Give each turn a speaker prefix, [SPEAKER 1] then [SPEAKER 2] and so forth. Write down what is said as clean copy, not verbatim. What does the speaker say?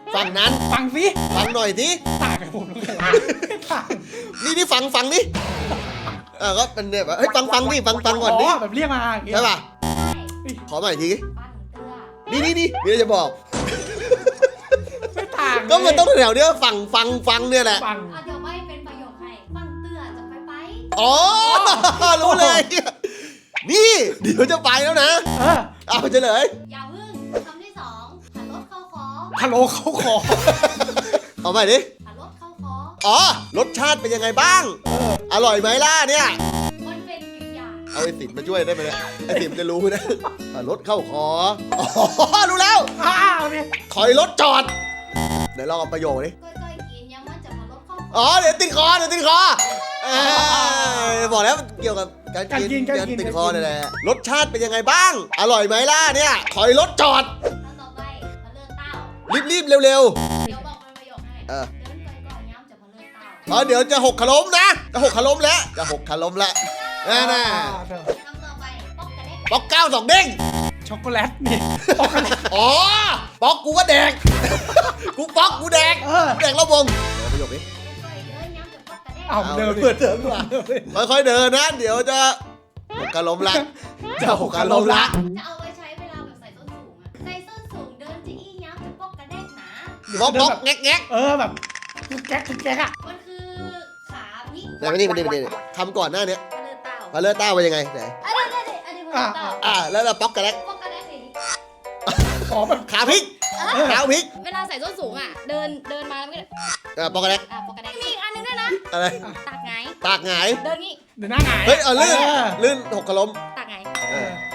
[SPEAKER 1] ฝั่งนั้น
[SPEAKER 2] ฟังสิ
[SPEAKER 1] ฟังหน่อยสิ
[SPEAKER 2] ต่างกับผมตรงไหนต่าง
[SPEAKER 1] นี่ฟังนี่ก็เป็นเนี่ยแบบเฮ้ยฟังดิฟังก่อนดิ
[SPEAKER 2] แบบเรียกมาอย่างเงี้ย
[SPEAKER 1] ใช่ป่ะ
[SPEAKER 3] ใช่
[SPEAKER 1] ขอใหม่อีกที
[SPEAKER 3] ปั้นเตื้อ
[SPEAKER 1] นี่เดี๋ยวจะบอก
[SPEAKER 2] ไม่ต่าง
[SPEAKER 1] ก็มันต้องแถวเนี้ยฟังเนี่ยแหละ
[SPEAKER 2] ฟัง
[SPEAKER 3] เอาเดี๋ยวไม่เป็นประโยคให้ปั้นเตื้อจะไป
[SPEAKER 1] อ๋อรู้เลย นี่เดี๋ยวจะไปแล้วนะ เอาเฉลย
[SPEAKER 3] อย่าพึ่งคำที่สองขันรถเข้าคอ
[SPEAKER 2] ฮัลโหลเขาขอ
[SPEAKER 1] เอาใหม่ดิ
[SPEAKER 3] ขันรถเข้าคอ
[SPEAKER 1] อ๋อรสชาติเป็นยังไงบ้าง อร่อยไหมล่ะเนี่ย
[SPEAKER 3] มันเป็นกริยา
[SPEAKER 1] เอาไอ้สิบมาช่วยได้ไหมเนี่ยไอ้สิบจะรู้นะรถเข้าคออ๋อรู้แล้ว
[SPEAKER 2] อ้าวเนี่ย
[SPEAKER 1] ถอยรถจอดเดี๋ยวลองเอาประโยคนี้
[SPEAKER 3] ก้อยๆกินยังมันจะมารถเข้าคอ
[SPEAKER 1] อ๋อเดี๋ยวติดคอบอกแล้วมันเกี่ยวกับการกินการติดคอนี่แหละรสชาติเป็นยังไงบ้าง อร่อยไหมล่ะเนี่ยถอยรถจอด
[SPEAKER 3] แล้วต่อไปมาเลื่อนเต้า
[SPEAKER 1] รีบเร็ว
[SPEAKER 3] เดี๋ยวบอกเป็นประโยคให้
[SPEAKER 1] เออ
[SPEAKER 3] เดินก้อยๆย้ำจะมาเลื่อนเต้า
[SPEAKER 1] เดี๋ยวจะหกขล้มนะจะหกขล้มแล้วจะหกขล้มแล้วน่ะ
[SPEAKER 3] คำต่อไปป๊อกกระเด็ก
[SPEAKER 1] ป๊อกเก้าสองเด้ง
[SPEAKER 2] ช็อกโกแลตนี่ช็อกโกแลต
[SPEAKER 1] อ๋อป๊อกกูก็แดกกูป๊อกกูแดกแดกแล้ววงประโยคนี้
[SPEAKER 3] ก้อยๆเดินย้ำจะป๊อกกระเด็ก
[SPEAKER 2] เอาเดิม
[SPEAKER 1] เปิดเดิมกว่าค่อยๆเดินนะเดี๋ยวจะหกขล้มละจะหกขล้มละ
[SPEAKER 3] จะเอาไว้ใช้เวลาแบบใส่ส้นสูงอะใส่ส้นสูงเดินจะอี้ย้ำจะป๊อกกระเด็กหนา
[SPEAKER 1] ป๊อกแงก
[SPEAKER 2] แบบกุ๊กแก๊กอ่ะ
[SPEAKER 3] มันคือขาพลิก
[SPEAKER 1] แต่ไม่นี่คำก่อนหน้านี้
[SPEAKER 3] กระเดินเต้า
[SPEAKER 1] พาเลอร์ต้าเป็นยังไงไหน
[SPEAKER 3] อันนี้ผมเต้า
[SPEAKER 1] แล้วเราป๊อกกันแล้ว
[SPEAKER 3] ป๊อกกระเด็กสิ
[SPEAKER 2] ขอแบบ
[SPEAKER 1] ขาพลิกขาพลิก
[SPEAKER 3] เวลาใส่ส้นสูงอ่ะ เดินมาแล้วก็
[SPEAKER 1] ป๊อกกันแล้ว
[SPEAKER 3] ป๊อกกระเด็กมีอีกอันนึงด้วยนะ
[SPEAKER 1] อะไร
[SPEAKER 3] ตากไง
[SPEAKER 1] ตากหงาย
[SPEAKER 3] เดินงี้
[SPEAKER 2] เดินหน้าหงาย
[SPEAKER 1] เฮ้ยลื่นหกขล้ม
[SPEAKER 3] ตากไง
[SPEAKER 1] เออ